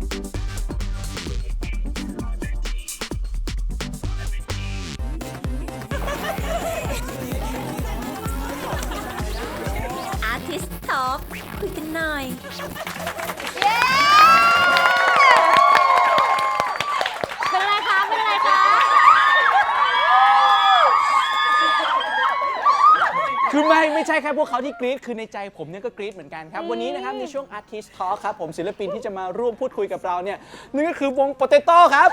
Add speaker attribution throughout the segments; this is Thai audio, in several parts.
Speaker 1: Artist Talk คุยกันหน่อย
Speaker 2: เป็นไรคะเป็นไรคะ
Speaker 3: คือไม่ใช่แค่พวกเขาที่กรี๊ดคือในใจผมเนี่ยก็กรี๊ดเหมือนกันครับวันนี้นะครับในช่วง Artist Talk ครับผมศิลปินที่จะมาร่วมพูดคุยกับเราเนี่ยนั่นก็คือวง Potato ครับ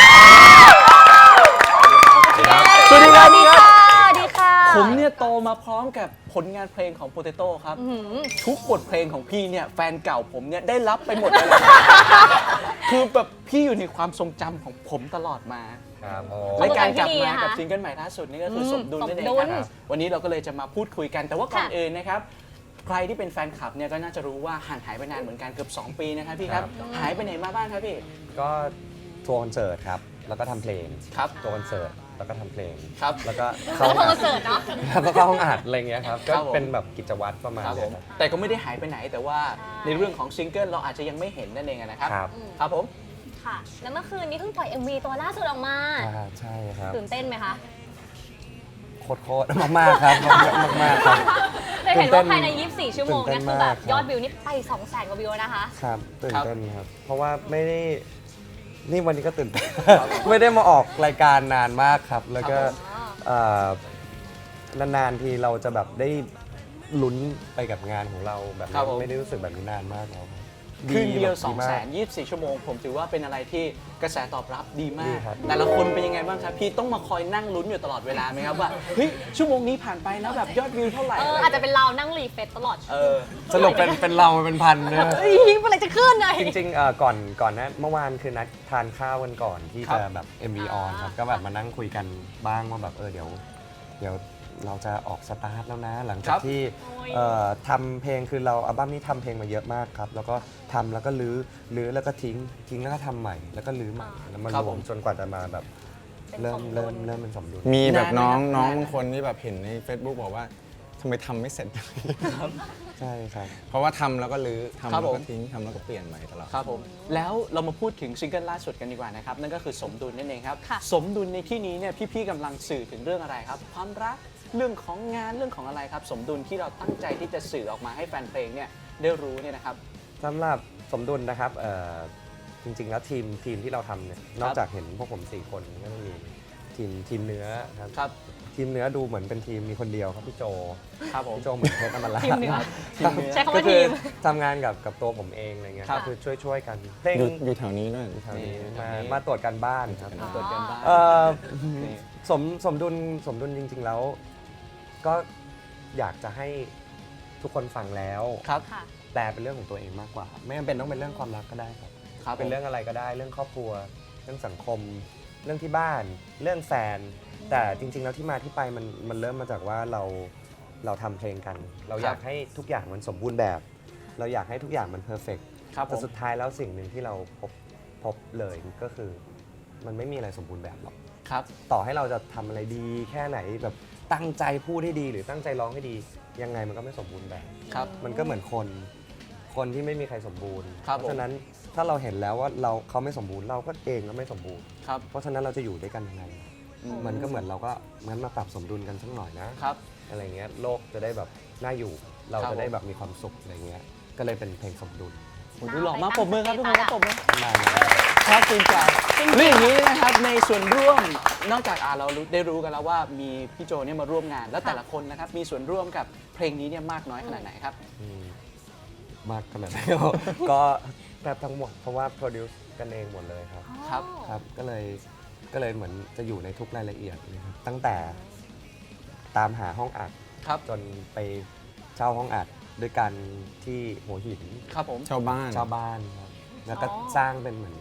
Speaker 3: สวัสดีครับพี่ครับ
Speaker 2: สวัสดีค่ะ
Speaker 3: ผมเนี่ยโตมาพร้อมกับผลงานเพลงของ Potato ครับทุกบทเพลงของพี่เนี่ยแฟนเก่าผมเนี่ยได้รับไปหมดเลยคือแบบพี่อยู่ในความทรงจำของผมตลอดมาและการกลับมากับซิงเกิลใหม่ล่าสุดนี่ก็คือสมดุลนั่นเองครับวันนี้เราก็เลยจะมาพูดคุยกันแต่ว่าก่อนอื่นนะครับใครที่เป็นแฟนคลับเนี่ยก็น่าจะรู้ว่าห่างหายไปนานเหมือนกันเกือบ2 ปีนะครับพี่ครับหายไปไหนมาบ้างครับพี่
Speaker 4: ก็ทัวร์คอนเสิร์ตครับแล้วก็ทำเพลง
Speaker 3: ครับ
Speaker 4: ทัวร์คอนเสิร์ตแล้วก็ทำเพลง
Speaker 3: ครับ
Speaker 4: แล้วก็
Speaker 2: เข้าคอนเสิร์ตเนาะ
Speaker 4: แล้วก็เข้าห้องอัดอะไรเงี้ยครับ
Speaker 3: ครั
Speaker 4: ก็
Speaker 3: บผม
Speaker 4: เป็นแบบกิจวัตรประมาณ
Speaker 3: ครับผ
Speaker 4: นี้
Speaker 3: ม
Speaker 4: ครับ
Speaker 3: แต่ก็ไม่ได้หายไปไหนแต่ว่าในเรื่องของซิงเกิลเราอาจจะยังไม่เห็นนั่นเองนะครับ
Speaker 4: ครับ
Speaker 3: ครับผม
Speaker 2: ค่ะ แล้วเมื่อคืนนี้เพิ่งปล่อย MV ตัวล่าสุดออกมา
Speaker 4: ใช่ครับ
Speaker 2: ตื่นเต้นไหมคะ
Speaker 4: โคตรมากๆครับมากๆครับ
Speaker 2: ได้เห็นว่าภายใน 24 ชั่วโมง
Speaker 4: ตื่
Speaker 2: เนี่ย
Speaker 4: นเต้น
Speaker 2: คือแบบ
Speaker 4: มากครับ
Speaker 2: ยอดวิวนี่ไป 200,000 กว่าวิวแล้วนะคะ
Speaker 4: ครับตื่น
Speaker 3: ครับ
Speaker 4: เต้นครับเพราะว่าไม่ได้นี่วันนี้ก็ตื่นเต้นไม่ได้มาออกรายการนานมากครับ แล้วก็เอ่อนานๆทีเราจะแบบได้ลุ้นไปกับงานของเราแบบ
Speaker 3: ครับ
Speaker 4: นี้
Speaker 3: ผม
Speaker 4: ไม่ได้รู้สึกแบบนี้นานมากแล้วครับ
Speaker 3: คืนเดียว
Speaker 4: แบบมาก
Speaker 3: 224 ชั่วโมงผมถือว่าเป็นอะไรที่กระแสตอบรับดีมา
Speaker 4: ดี
Speaker 3: ก
Speaker 4: ครับ
Speaker 3: แต่ละคนเป็นยังไงบ้างครับพี่ต้องมาคอยนั่งลุ้นอยู่ตลอดเวลาไหมครับว่าเฮ้ยชั่วโมงนี้ผ่านไปแล้วแบบยอดวิวเท่าไหร่
Speaker 2: อาจจะเป็นเรานั่งรีเฟรชตลอด
Speaker 4: สรุปเป็นเราเป็นพันเนี่ย
Speaker 2: เฮ้ยเมื่อไหร่จะขึ้นเลย
Speaker 4: จริงๆก่อนนะเมื่อวานคือนัดทานข้าวกันก่อนที่จะแบบ MV on ครับก็แบบมานั่งคุยกันบ้างว่าแบบเดี๋ยวเราจะออกสตาร์ทแล้วนะ หลังจากที่ทำเพลงคือเราอัลบั้มนี้ทำเพลงมาเยอะมากครับแล้วก็ทำแล้วก็ลื้อแล้วก็ทิ้งแล้วก็ทำใหม่แล้วก็ลื้อใหม่แล้วมารวมจนกว่าจะมาแบบเริ่มเป็นสมดุล
Speaker 5: มีแบบน้อง
Speaker 3: นานไหมครับ
Speaker 5: บางคนที่แบบเห็นใน Facebook บอกว่าทำไมทำไม่เสร็จ
Speaker 4: ใช่ครับ
Speaker 5: เพราะว่าทำแล้วก็ลื้อทำ
Speaker 3: ครั
Speaker 5: แล้
Speaker 3: บ
Speaker 5: ว
Speaker 3: ผ
Speaker 5: ก็
Speaker 3: ม
Speaker 5: ทิ้งทำแล้วก็เปลี่ยนใหม่ตลอด
Speaker 3: ครับผมแล้วเรามาพูดถึงซิงเกิลล่าสุดกันดีกว่านะครับนั่นก็คือสมดุลนั่นเองครับ
Speaker 2: ค่ะ
Speaker 3: สมดุลในที่นี้เนี่ยพี่ๆกำลังสื่อถึงเรื่องอะไรครับความรักเรื่องของงานเรื่องของอะไรครับสมดุลที่เราตั้งใจที่จะสื่อออกมาให้แฟนเพลงเนี่ยได้รู้เนี่ยนะครับ
Speaker 4: สำหรับสมดุลนะครับจริงๆแล้วทีมที่เราทำเนี่ยนอกจากเห็นพวกผม4 คนก็จะมีทีมเนื้อครับ
Speaker 3: ครับ
Speaker 4: ทีมเนื้อดูเหมือนเป็นทีมมีคนเดียวครับพี่โจ
Speaker 3: ครับผม
Speaker 4: พี่โจเหมือนเพชรอมรา
Speaker 2: ทีมเนื้อ
Speaker 3: ทีมเนื้อ
Speaker 2: ใช้คำ
Speaker 4: ก็
Speaker 2: ว่า
Speaker 4: คื
Speaker 2: ที
Speaker 4: อ
Speaker 2: ม
Speaker 4: ทำงานกับตัวผมเองอะไรเงี้ย
Speaker 3: ครับ
Speaker 4: ก็คือช่วยกันเพลง
Speaker 5: อยู่แถวนี้ด้วย
Speaker 4: แถวนี้
Speaker 3: นี่แถวนี้
Speaker 4: มาตรวจกันบ้านครับ
Speaker 3: ตรวจกันบ้าง
Speaker 4: เอ่อ
Speaker 3: นี่
Speaker 4: สมดุลจริง ๆ แล้ว ก็อยากจะให้ทุกคนฟังแล้ว
Speaker 3: ครับ
Speaker 2: ค่ะ
Speaker 4: แปลเป็นเรื่องของตัวเองมากกว่า ไม่จำเป็นต้องเป็นเรื่องความรักก็ได้ครับ
Speaker 3: ครับ
Speaker 4: เป็นเรื่องอะไรก็ได้เรื่องครอบครัว เรื่องสังคม เรื่องที่บ้าน เรื่องแฟน แต่จริง ๆ แล้วที่มาที่ไปมันเริ่มมาจากว่าเราทำเพลงกัน เราอยากให้ทุกอย่างมันสมบูรณ์แบบ เราอยากให้ทุกอย่างมันเพอร์เฟกต์
Speaker 3: ครับผ
Speaker 4: แต่
Speaker 3: ม
Speaker 4: สุดท้ายแล้วสิ่งหนึ่งที่เราพบเลยก็คือ มันไม่มีอะไรสมบูรณ์แบบหรอก
Speaker 3: ครับ
Speaker 4: ต่อให้เราจะทำอะไรดีแค่ไหนแบบตั้งใจพูดให้ดีหรือตั้งใจร้องให้ดี ยังไงมันก็ไม่สมบูรณ์แบบ
Speaker 3: ครับ
Speaker 4: มันก็เหมือนคนที่ไม่มีใครสมบูรณ์
Speaker 3: ครับ
Speaker 4: เพราะฉะนั้นถ้าเราเห็นแล้วว่าเขาไม่สมบูรณ์เราก็เองก็ไม่สมบูรณ์
Speaker 3: ครับ
Speaker 4: เพราะฉะนั้นเราจะอยู่ด้วยกันยังไง มันก็เหมือนเราก็งั้นมาปรับสมดุลกันสักหน่อยนะครับ อะไรเงี้ยโลกจะได้แบบน่าอยู่ เรา
Speaker 3: ครับ
Speaker 4: จะได้แบบมีความสุขอะไรเงี้ยก็เลยเป็นเพลงสมดุล
Speaker 3: โอ้โหดูหล่อมากปรบมือครับทุกคนครับปรบมือ
Speaker 4: ประมาณนั้น
Speaker 3: ครับจริงใจเรื่องอย่างนี้นะครับในส่วนร่วมนอกจากเราได้รู้กันแล้วว่ามีพี่โจเนี่ยมาร่วมงาน แล้วแต่ละคนนะครับมีส่วนร่วมกับเพลงนี้เนี่ยมากน้อยขนาดไหนครับ
Speaker 4: อืมมากขนาดไหน ก็แทบทั้งหมดเพราะว่าโปรดิวซ์กันเองหมดเลยครับ
Speaker 3: ครับ
Speaker 4: ครับก็เลยเหมือนจะอยู่ในทุกรายละเอียดนะครับตั้งแต่ตามหาห้องอัด
Speaker 3: ครับ
Speaker 4: จนไปเช่าห้องอัดด้วยกันที่หัวหิน
Speaker 3: ครับผม
Speaker 5: ชาวบ้าน
Speaker 4: เช่าบ้านครับแล้วก็
Speaker 2: อ๋อ
Speaker 4: สร้างเป็นเหมือน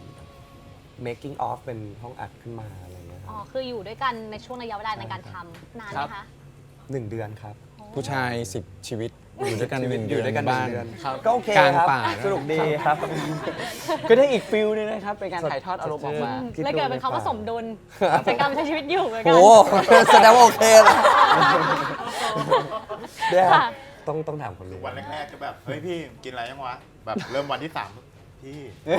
Speaker 4: making of เป็นห้องอัดขึ้นมาอะไรอย่างเงี้ยค
Speaker 2: อ๋
Speaker 4: รั
Speaker 2: อบ คืออยู่ด้วยกันในช่วงระยะเวลาในการทำนานไหมคะ
Speaker 4: 1 เดือนครับ
Speaker 5: ผู้ชาย10 ชีวิต อยู่ด้วยกัน1
Speaker 4: อ
Speaker 5: เดื
Speaker 4: ยู่
Speaker 5: อน
Speaker 4: ด้วยกัน
Speaker 5: บ้าน
Speaker 4: 1 เดือน
Speaker 3: ครับ
Speaker 4: ก็โอเค
Speaker 5: กลาง
Speaker 4: ครับ
Speaker 5: ป่า
Speaker 4: สนุกดีครับ
Speaker 3: ก็ได้อีกฟิลนึงนะครับเป็นการถ่ายทอดอารมณ์ออกมา
Speaker 4: คิดดู
Speaker 2: เลยเกิดเป็นคำว่า
Speaker 4: ในป่า
Speaker 2: สมดุลเป็นการใช้ชีวิตอยู่เหมือนกั
Speaker 4: โอ้แสดงว่าโอเคเลยเนี่ย
Speaker 2: ค่ะ
Speaker 4: ต้องถามคนรู้
Speaker 6: วันแรกๆจะแบบ เฮ้ยพี่กินอะไรยังวะ แบบเริ่มวันที่ 3
Speaker 4: พี่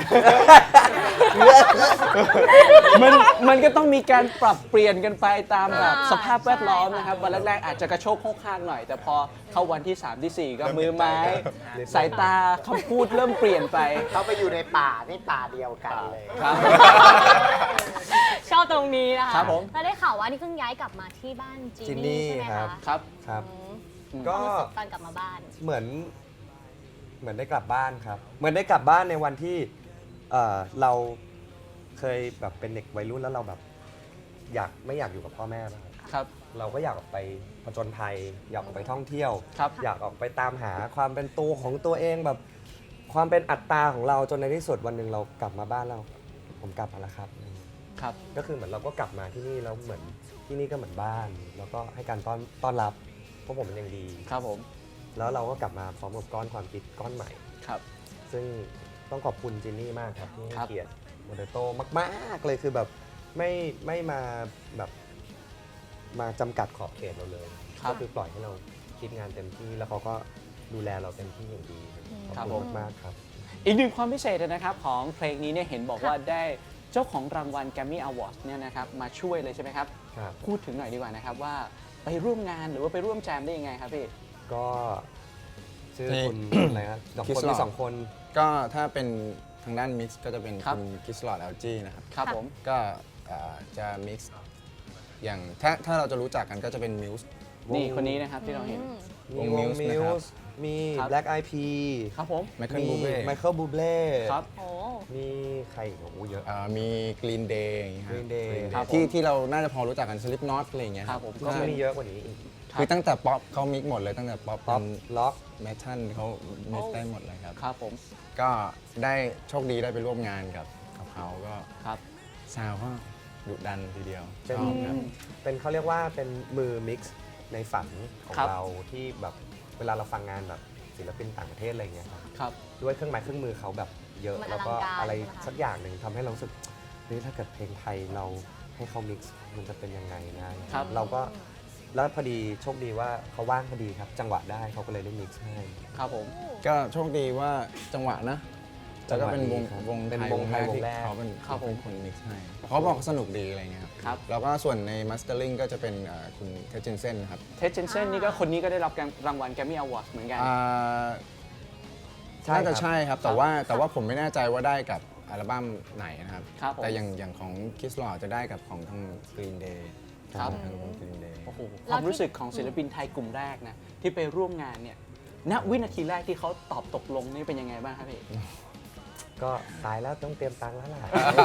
Speaker 3: มันก็ต้องมีการปรับเปลี่ยนกันไปตามแบบสภาพแวดล้อมนะครับวันแรกๆอาจจะกระโชกโคกคากหน่อย แต่พอเข้าวันที่ 3 ที่ 4 ก็มือไม้ สายตาคำพูดเริ่มเปลี่ยนไป
Speaker 6: เขาไปอยู่ในป่านี่ป่าเดียวกันเลย
Speaker 3: ครับ
Speaker 2: ชอบตรงนี้นะคะ
Speaker 3: ครับผม
Speaker 2: แล้วได้ข่าวว่านี่เพิ่งย้ายกลับมาที่บ้านจี
Speaker 4: จินนี่
Speaker 2: นี่ใช่ไหม
Speaker 4: ครั
Speaker 2: คะ
Speaker 4: บ
Speaker 3: ครับ
Speaker 4: ครับ
Speaker 2: อืม
Speaker 4: ก็
Speaker 2: ความรู้สึกตอนกลับมาบ้าน
Speaker 4: เหมือนได้กลับบ้านครับ เหมือนได้กลับบ้านในวันที่เราเคยแบบเป็นเด็กวัยรุ่นแล้วเราแบบไม่อยากอยู่กับพ่อแม่นะครับ
Speaker 3: ครับ
Speaker 4: เราก็อยากออกไปผจญภัย อยากออกไปท่องเที่ยว
Speaker 3: ครับ
Speaker 4: อยากออกไปตามหาความเป็นตัวของตัวเองแบบความเป็นอัตตาของเราจนในที่สุดวันหนึ่งเรากลับมาบ้านเราผมกลับมาแล้วครับ
Speaker 3: ครับ
Speaker 4: ก็คือเหมือนเราก็กลับมาที่นี่แล้วเหมือนที่นี่ก็เหมือนบ้าน แล้วก็ให้การต้อนรับพวกผมเป็นอย่างดี
Speaker 3: ครับผม
Speaker 4: แล้วเราก็กลับมาพร้อมกับก้อนความคิดก้อนใหม่
Speaker 3: ครับ
Speaker 4: ซึ่งต้องขอบคุณจินนี่มากครับที่ให้
Speaker 3: ครับ
Speaker 4: เกียรติโมเดโตมากๆเลยคือแบบไม่มาแบบมาจำกัดขอบเขตเราเลย
Speaker 3: ครับ
Speaker 4: ก็คือปล่อยให้เราคิดงานเต็มที่แล้วเขาก็ดูแลเราเต็มที่อย่างดีขอบ
Speaker 3: ครับ
Speaker 4: คุ
Speaker 3: ผม
Speaker 4: ณมากๆครับ
Speaker 3: อีกหนึ่งความพิเศษนะครับของเพลงนี้เนี่ยเห็นบอกว่าได้เจ้าของรางวัล Grammy Awards เนี่ยนะครับมาช่วยเลยใช่ไหมครับ
Speaker 4: ครับ
Speaker 3: พูดถึงหน่อยดีกว่านะครับว่าไปร่วมงานหรือว่าไปร่วมแจมได้ยังไงครับพี่
Speaker 4: ก็ชื่อ
Speaker 5: นี่
Speaker 4: คุณ อะไรนะสองคน
Speaker 5: Kiss
Speaker 4: มี
Speaker 5: Lord
Speaker 4: สองคน
Speaker 5: ก็ถ้าเป็นทางด้านมิกซ์ก็จะเป็น
Speaker 3: ครับ
Speaker 5: คุณกิสลอดเอลจีนะครับ
Speaker 3: ครับผม
Speaker 5: ก็จะมิกซ์อย่างถ้าเราจะรู้จักกันก็จะเป็นมิวส์
Speaker 3: นี่คนนี้นะครับที่เราเห็น
Speaker 4: มี
Speaker 5: วง
Speaker 4: วง
Speaker 5: Muse
Speaker 4: มิ
Speaker 5: นะครับ
Speaker 4: วส์มี
Speaker 3: ครับ
Speaker 4: Black Eyed Peas
Speaker 3: ครับผม
Speaker 5: ไมเคิล
Speaker 4: มี
Speaker 5: บูเบ้
Speaker 4: ไมเคิลบูเบ้
Speaker 3: ครับ
Speaker 2: โอ้
Speaker 4: มีใครอีกโอ้โหเยอะ
Speaker 5: มีกรีนเดย์อย่างเงี้ยครับ
Speaker 4: Green Day
Speaker 5: Green Day
Speaker 3: ครับผม
Speaker 5: ที่เราน่าจะพอรู้จักกันสลิปน็อตอะไรอย่างเงี้ย
Speaker 3: ครับผม
Speaker 4: ก็มีเยอะกว่านี้อีก
Speaker 5: คือตั้งแต่ป๊อปเขามิกหมดเลยตั้งแต่ป๊อป
Speaker 4: ป๊อปล็อก
Speaker 5: เมทัลเขามิกได้หมดเลยครับ
Speaker 3: ครับผม
Speaker 5: ก็ได้โชคดีได้ไปร่วมงานกับเขาก็
Speaker 3: ครับ
Speaker 5: ซาวก็ดุดันทีเดียว
Speaker 4: เป็น
Speaker 5: ชอบครับ
Speaker 4: เป็นเขาเรียกว่าเป็นมือมิกซ์ในฝันของ
Speaker 3: ครับ
Speaker 4: เราที่แบบเวลาเราฟังงานแบบศิลปินต่างประเทศอะไรอย่างเงี้ยครับ
Speaker 3: ครับ
Speaker 4: ด้วยเครื่องไม้เครื่องมือเขาแบบเยอะ
Speaker 2: มัน
Speaker 4: แล้วก็
Speaker 2: อลังการ
Speaker 4: อะไร
Speaker 2: ใช่ไหมคะ
Speaker 4: สักอย่างหนึ่งทำให้เรารู้สึกเฮ้ยถ้าเกิดเพลงไทยเราให้เขามิกซ์มันจะเป็นยังไงนะครับ เราก็แล้วพอดีโชคดีว่าเขาว่างพอดีครับ จังหวะได้เขาก็เลยได้มิกซ์ให้
Speaker 3: ครับผม
Speaker 5: ก็โชคดีว่าจังหวะนะแล้วก็เป็นวง
Speaker 4: ครับ
Speaker 5: วง
Speaker 4: เป็น
Speaker 5: ไทยว
Speaker 4: ง
Speaker 5: วง
Speaker 4: ไท
Speaker 5: แร
Speaker 4: ย
Speaker 5: ก
Speaker 4: วง
Speaker 5: ที่
Speaker 4: แรก
Speaker 5: เขาเป็น
Speaker 3: ครับผม
Speaker 5: คนมิกซ์ให้เขาบอกสนุกดีอะไรเงี้ยครับ
Speaker 3: ครับ
Speaker 5: แล้วก็ส่วนในมาสเตอร์ลิงก็จะเป็นคุณเทเจนเซนครับ
Speaker 3: เท็ดเจนเซนนี่ก็คนนี้ก็ได้รับรางวัล Grammy Awards เหมือนกัน
Speaker 4: ใช่
Speaker 5: น่า
Speaker 4: ค
Speaker 5: จะ
Speaker 4: รับ
Speaker 5: ใช่ครับ แต่ว่าผมไม่แน่ใจว่าได้กับอัลบั้มไหนนะครับ
Speaker 3: ครับผม
Speaker 5: แต่อย่างของคิสลอจะได้กับของทาง Green Day
Speaker 3: ครับ
Speaker 5: ทางวง Green Day
Speaker 3: โอ้โหความรู้สึกของศิลปินไทยกลุ่มแรกนะที่ไปร่วมงานเนี่ยณวินาทีแรกที่เขาตอบตกลงนี่เป็นยังไงบ้างครับพี่
Speaker 4: ก็ตายแล้วต้องเตรียมตังค์แล้วล่ะ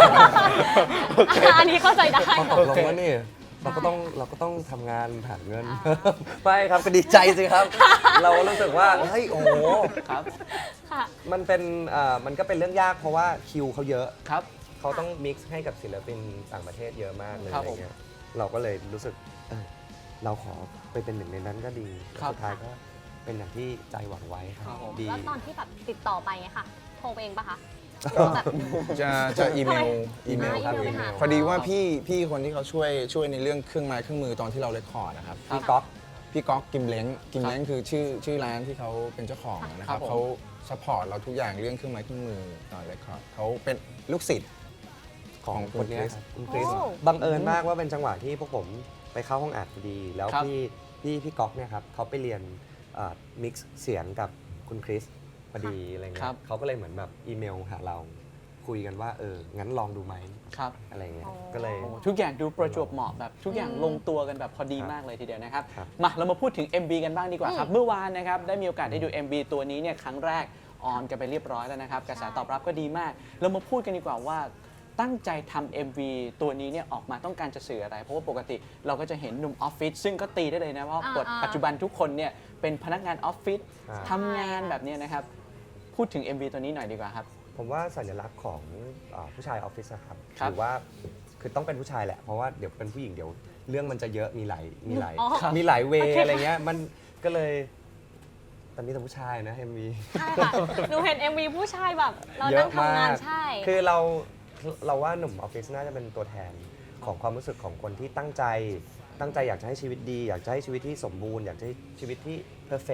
Speaker 2: อันนี้เข้าใจได้
Speaker 4: พอตกลงว่านี่เราก็ต้องทำงานหาเงิน ไม่ครับก็ดีใจสิครับ เรารู้สึกว่าเฮ้ยโอ้โห
Speaker 3: ครับ
Speaker 2: ค่ะ
Speaker 4: มันก็เป็นเรื่องยากเพราะว่าคิวเขาเยอะ
Speaker 3: ครับ
Speaker 4: เขาต้องมิกซ์ให้กับศิลปินต่างประเทศเยอะมากเลย
Speaker 3: ครับ
Speaker 4: อะไรเงี้ยเราก็เลยรู้สึกเราขอไปเป็นหนึ่งในนั้นก็ดี
Speaker 3: ครับ
Speaker 4: สุดท้ายก็เป็นอย่างที่ใจหวังไว้ครั
Speaker 3: ครับ บผม
Speaker 4: ดี
Speaker 2: แล้วตอนที่แบบติดต่อไปไงค่ะโทรไปเองปะคะ
Speaker 5: ก็
Speaker 2: แบบ
Speaker 5: จะอีเมล
Speaker 2: อีเมล
Speaker 5: ครับ
Speaker 2: อีเมล
Speaker 5: พอดีว่าพี่คนที่เขาช่วยในเรื่องเครื่องไม้เครื่องมือตอนที่เราเรคคอร์ดนะครับ
Speaker 4: พี่ก๊อก
Speaker 5: พี่ก๊อกกิมเล้งคือชื่อร้านที่เขาเป็นเจ้าของนะค
Speaker 3: ครั
Speaker 5: รั
Speaker 3: บบ ผม
Speaker 5: เขาซัพพอร์ตเราทุกอย่างเรื่องเครื่องไม้เครื่องมือตอนเรคคอร์ดเขาเป็นลูกศิษย์
Speaker 4: ของ
Speaker 5: คุ
Speaker 4: คน
Speaker 5: ณ
Speaker 4: เนี้ย
Speaker 5: คริส
Speaker 4: ครับคุณคริส
Speaker 2: โอ้
Speaker 4: บังเอิญมากว่าเป็นจังหวะที่พวกผมไปเข้าห้องอัดพอดี แล้ว
Speaker 3: ครับ
Speaker 4: พี่ก๊อกเนี่ยครับเขาไปเรียนมิกซ์เสียงกับคุณคริสพอดีอะไรเงี้
Speaker 3: ครั
Speaker 4: ย
Speaker 3: บ
Speaker 4: เขาก็เลยเหมือนแบบอีเมลหาเราคุยกันว่างั้นลองดูไหม
Speaker 3: ครับ
Speaker 4: อะไรเงี้ย
Speaker 2: อ๋อ
Speaker 4: ก็เลย
Speaker 3: โอ้ทุกอย่างดูประจวบเหมาะแบบทุกอย่างลงตัวกันแบบพอดีมากเลยทีเดียวนะครับ
Speaker 4: ครับ
Speaker 3: มาเรามาพูดถึง MV กันบ้างดีกว่าครับ เมื่อวานนะครับได้มีโอกาสได้ดู MV ตัวนี้เนี่ยครั้งแรกออนกันไปเรียบร้อยแล้วนะครับกระแสตอบรับก็ดีมาก เรามาพูดกันดีกว่าว่าตั้งใจทำ MV ตัวนี้เนี่ยออกมาต้องการจะสื่ออะไร เพราะว่าปกติเราก็จะเห็นหนุ่มออฟฟิศซึ่งก็ตีได้เลยนะว่าปัจจุบันทุกคนเนี่ยเป็นพนักงานออฟฟิศ
Speaker 4: ครับ
Speaker 3: ทำงานแบบเนี้ยนะครับพูดถึง MV ตัวนี้หน่อยดีกว่าครับ
Speaker 4: ผมว่าสัญลักษณ์ของผู้ชายออฟฟิศนะครับ
Speaker 3: ครับ
Speaker 4: ถือว่าคือต้องเป็นผู้ชายแหละ เพราะว่าเดี๋ยวเป็นผู้หญิงเดี๋ยวเรื่องมันจะเยอะมีหลาย
Speaker 2: อ๋อ
Speaker 4: มีหลายเว
Speaker 2: โอเค
Speaker 4: อะไรเงี้ยมันก็เลยตอนนี้แต่ผู้ชายนะ MV
Speaker 2: ใช่ค่ะ หนูเห็น MV ผู้ชายแบบ เรา
Speaker 4: เย
Speaker 2: นั่
Speaker 4: อะ
Speaker 2: งทำงาน
Speaker 4: มาก
Speaker 2: ใช่
Speaker 4: คือเราว่าหนุ่มออฟฟิศน่าจะเป็นตัวแทนของความรู้สึกของคนที่ตั้งใจอยากจะให้ชีวิตดี อยากจะให้ชีวิตที่สมบูรณ์อยากจะให้ชีวิตที่เพอร์เฟก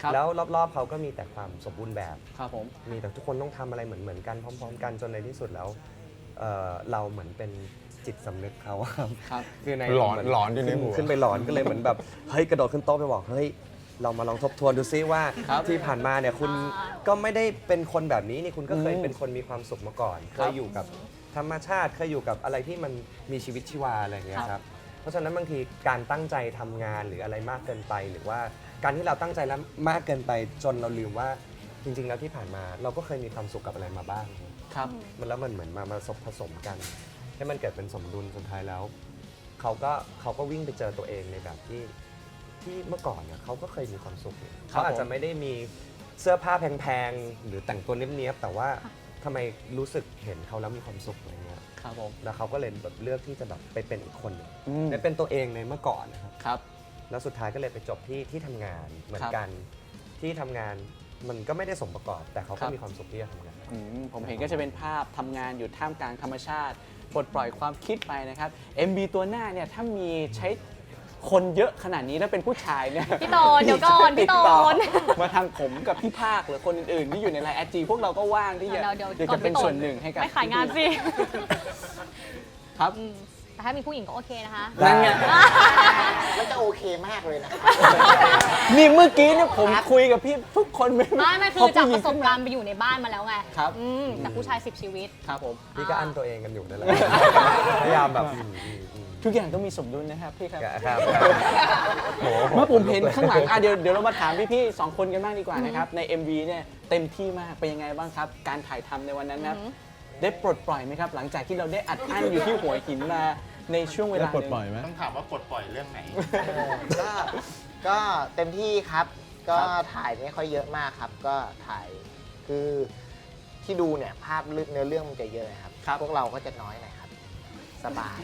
Speaker 3: ครับ
Speaker 4: แล้วรอบๆเขาก็มีแต่ความสมบูรณ์แบบ
Speaker 3: ครับผม
Speaker 4: มีแต่ทุกคนต้องทำอะไรเหมือนกันพร้อมๆ กันจนในที่สุดแล้วเราเหมือนเป็นจิตสำนึกเขาครับ
Speaker 3: ครับ
Speaker 4: คือใน
Speaker 5: หลอน
Speaker 4: เมื
Speaker 5: หลอนอยู่ในหัว
Speaker 4: ขึ้นไปหลอนก็เลยเหมือนแบบเฮ้ยกระโดดขึ้นโต๊ะไปบอกเฮ้ยเรามาลองทบทวนดูซิว่า
Speaker 3: ครับ
Speaker 4: ที่ผ่านมาเนี่ยคุณก็ไม่ได้เป็นคนแบบนี้นี่คุณก็เคย
Speaker 3: อืม
Speaker 4: เป็นคนมีความสุขมาก่อน
Speaker 3: ค
Speaker 4: เครับ ยอยู่กับธรรมชาติเคยอยู่กับอะไรที่มันมีชีวิตชีวาอะไรอย่างเงี้ยครับเพราะฉะนั้นบางทีการตั้งใจทำงานหรืออะไรมากเกินไป หรือว่าการที่เราตั้งใจแล้วมากเกินไปจนเราลืมว่าจริง ๆ แล้วที่ผ่านมาเราก็เคยมีความสุขกับอะไรมาบ้าง
Speaker 3: ครับ
Speaker 4: แล้วมันเหมือนมาผสมกัน ให้มันเกิดเป็นสมดุลสุดท้ายแล้วเขาก็วิ่งไปเจอตัวเองในแบบที่เมื่อก่อนเนี่ยเขาก็เคยมีความสุขเขาอาจจะไม่ได้มีเสื้อผ้าแพงๆหรือแต่งตัวเนี้ยบๆแต่ว่าทำไมรู้สึกเห็นเขาแล้วมีความสุขอะไรเงี้ย
Speaker 3: ครับผม
Speaker 4: แล้วเขาก็เลยแบบเลือกที่จะแบบไปเป็นอีกคนหนึ่ง
Speaker 3: อืม
Speaker 4: ไปเป็นตัวเองในเมื่อก่อนนะครับ
Speaker 3: ครับ
Speaker 4: แล้วสุดท้ายก็เลยไปจบที่ทำงานเหมือนกันที่ทำงานมันก็ไม่ได้สมประกอบแต่เขา
Speaker 3: ครั
Speaker 4: ก็
Speaker 3: บ
Speaker 4: มีความสุขที่จะทำงาน
Speaker 3: ผมเห็นก็จะเป็นภาพทำงานอยู่ท่ามกลางธรรมชาติปลดปล่อยความคิดไปนะครับ MB ตัวหน้าเนี่ยถ้ามีใช้คนเยอะขนาดนี้แล้วเป็นผู้ชายเนี่ย
Speaker 2: พี่โตนเดี๋ยวก่อนพี่โตน
Speaker 3: ติดต่อมาทางผมกับพี่ภาคหรือคนอื่นๆที่อยู่ในไลน์ IG พวกเราก็ว่างที่จะ
Speaker 2: เดี๋ยว
Speaker 3: อยาก
Speaker 2: ก่อ
Speaker 3: จะเป็น
Speaker 2: พี่โต
Speaker 3: ส่วนหนึ่งให้กับ
Speaker 2: ไม่ขายงานสิ
Speaker 3: ครับ
Speaker 2: แต่ถ้ามีผู้หญิงก็โอเคนะคะ
Speaker 3: นั่นไง
Speaker 6: มันจะโอเคมากเลยนะครับ
Speaker 3: นี่เมื่อกี้เนี่ยผมคุยกับพี่ทุกคนไม่
Speaker 2: ไม่คือจากประสบการณ์ไปอยู่ในบ้านมาแล้วไง
Speaker 3: ครับ
Speaker 2: แต่ผู้ชาย10 ชีวิต
Speaker 3: ครับผม
Speaker 4: พี่ก็อั้นตัวเองกันอยู่นั่นแหละ พยายามแบบ
Speaker 3: ทุกอย่างต้องมีสมดุลนะครับพี่ครับ
Speaker 4: ครับโห
Speaker 3: เมื่อผมเห็นข้างหลังเดี๋ยวเรามาถามพี่ๆ2 คนกันบ้างดีกว่านะครับ ใน MV เนี่ยเต็มที่มากเป็นยังไงบ้างครับ การถ่ายทำในวันนั้นนะครับได้ปลดปล่อยไหมครับ หลังจากที่เราได้อัดอั้นอยู่ที่หัวหินมาในช่วงเวลา
Speaker 5: ได้ปลดปล่อยไหม
Speaker 7: ต้องถามว่าปลดปล่อยเรื่องไหน
Speaker 6: ก็เต็มที่ครับ ก็ถ่ายไม่ค่อยเยอะมากครับ ก็ถ่ายคือที่ดูเนี่ยภาพเนื้อเรื่องมันจะเยอะครับ พวกเราก็จะน้อยหน่อยครับ สบาย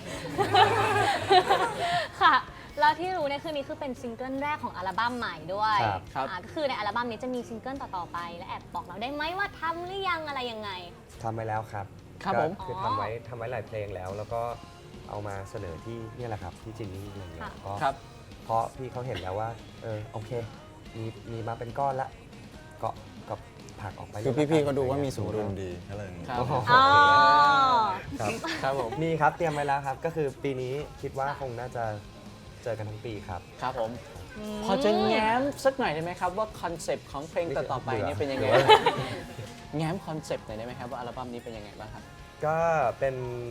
Speaker 2: ค่ะ แล้วที่รู้เนี่ยคือนี้คือเป็นซิงเกิลแรกของอัลบั้มใหม่ด้วย
Speaker 3: ครับ
Speaker 2: ก็คือในอัลบั้มนี้จะมีซิงเกิลต่อๆไป และแอบบอกเราได้ไหมว่าทำหรือยังอะไรยังไง
Speaker 4: ทำไปแล้วครับ
Speaker 3: ครับ
Speaker 4: ก็
Speaker 3: ผม
Speaker 4: คือทำไว้หลายเพลงแล้ว แล้วก็เอามาเสนอที่เนี่ยแหละครับที่จินนี่อะไรเงี้ย
Speaker 2: ค่ะ
Speaker 4: ก็
Speaker 3: ครับ
Speaker 4: เพราะพี่เขาเห็นแล้วว่าโอเคมีมาเป็นก้อนละก็ผลักออกไป
Speaker 5: คือพี่ๆเขาดูว่ามีสมดุลดีก็เลย
Speaker 3: ครับ
Speaker 2: อ๋อ
Speaker 4: ครับ
Speaker 3: ครับผม
Speaker 4: มีครับเตรียมไว้แล้วครับ ก็คือปีนี้คิดว่าคงน่าจะเจอกันทั้งปีครับ
Speaker 3: ครับผม พอจะแง้มสักหน่อยได้ไหมครับว่าคอนเซปต์ของเพลงต่อๆไปเนี่ยเป็นยังไง แง้มคอนเซปต์หน่อยได้ไหมครับว่าอัลบั้มนี้เป็นยังไงบ้างครับ
Speaker 4: ก็เป็น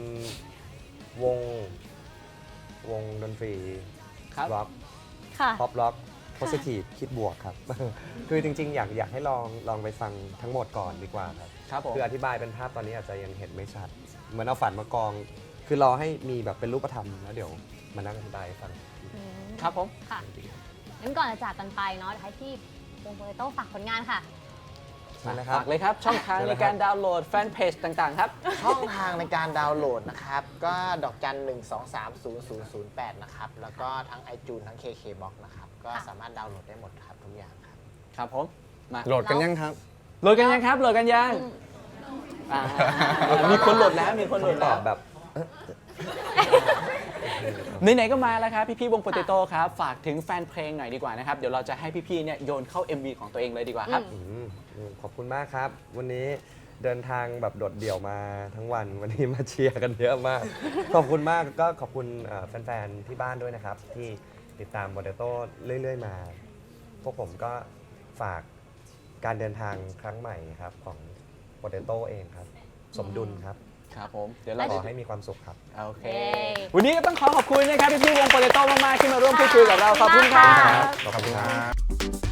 Speaker 4: วงดนตรี
Speaker 3: ครับ
Speaker 4: ร็อก
Speaker 2: ค่ะ
Speaker 4: ป๊อปร็อกโพสิทีฟคิดบวกครับ คือจริงๆ อยากให้ลองไปฟังทั้งหมดก่อนดีกว่าครับ
Speaker 3: ครับผม
Speaker 4: คืออธิบายเป็นภาพตอนนี้อาจจะยังเห็นไม่ชัด เหมือนเอาฝันมากอง คือรอให้มีแบบเป็นรูปธรรมแล้วเดี๋ยวมานั่งอธิบายให้ฟัง
Speaker 3: ครับผม
Speaker 2: ค่ะงั้นก่อนจะจากกันไปเนาะเดี๋ยวให้พี่วงโปเตโต้ฝากผลงานค่ะ
Speaker 4: นั่นนะครับ
Speaker 3: ฝากเลยครับ ช่องทางในการดาวน์โหลดแฟนเพจต่างๆครับ
Speaker 6: ช่องทางในการดาวน์โหลดนะครับ ก็ดอกจัน 1230008 นะครับ แล้วก็ทั้ง iTunes ทั้ง KKBox นะครับ ก็
Speaker 2: ค่ะ
Speaker 6: สามารถดาวน์โหลดได้หมดครับทุกอย่างครับ
Speaker 3: ครับผม มา
Speaker 5: โหลดกันยังครับ
Speaker 3: โหลดกันยังครับ โหลดกันยังอ่ามีคนโหลดแล้ว มีคนโหลด
Speaker 4: ต
Speaker 3: แล้
Speaker 4: อ
Speaker 3: ว
Speaker 4: บแบบ
Speaker 3: ไหนๆก็มาแล้วครับ พี่ๆวงโปเตโต้ครับ ฝากถึงแฟนเพลงหน่อยดีกว่านะครับ เดี๋ยวเราจะให้พี่ๆเนี่ยโยนเข้า MV ของตัวเองเลยดีกว่าครับ
Speaker 4: ขอบคุณมากครับ วันนี้เดินทางแบบโดดเดี่ยวมาทั้งวันวันนี้มาเชียร์กันเยอะมาก ขอบคุณมากก็ขอบคุณแฟนๆที่บ้านด้วยนะครับ ที่ติดตามโปเตโต้เรื่อยๆมา พวกผมก็ฝากการเดินทางครั้งใหม่ครับของโปเตโต้เองครับ สมดุลครับ
Speaker 3: ครับผม เดี๋ยวเรา
Speaker 4: ขอให้มีความสุขครับ
Speaker 3: โอเค
Speaker 2: เย้
Speaker 3: วันนี้ก็ต้องขอบคุณนะครับพี่ๆวงโปเตโต้มากๆที่มาร่วมพูดคุยกับเรา ขอบคุณครับ
Speaker 4: ขอบคุณครับ